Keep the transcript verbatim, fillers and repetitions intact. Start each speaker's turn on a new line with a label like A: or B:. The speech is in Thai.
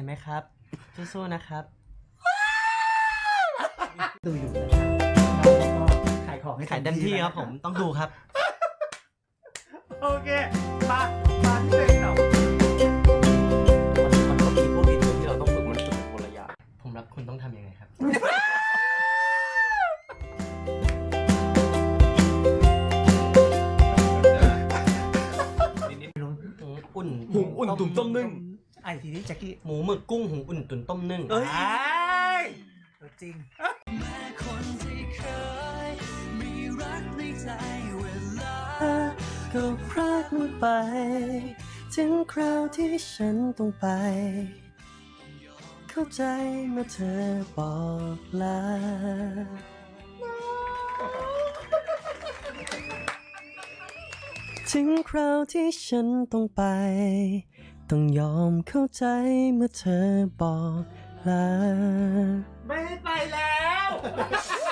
A: ไหมครับสู้ๆนะครับ
B: ดูอยู่นะครับขายของให้
A: ขายเต็มที่ครับผมต้องดูครับ
B: โอเคมามาที่เพลงต่อ
A: มันก็มีพวกอินที่เราต้องฝึกมันฝึกเป็นคนละอย่างผมรักคุณต้องทำยังไงครับอุ่น
B: หุงอุ่นตุ๋นต้มนึ่งไอ้ทีนี้แจ็คกี้
A: หมูหมึกกุ้งหุงอุ่นตุ๋นต้มนึ่ง
B: เอ้ยจริง
C: แม้คนที่เคยมีรักในใจเวลา
A: ก็พรากมันไปถึงคราวที่ฉันต้องไปเข้าใจเมื่อเธอบอกลาถึงคราวที่ฉันต้องไปต้องยอมเข้าใจเมื่อเธอบอกลา
B: ไม่ให้ไปแล้ว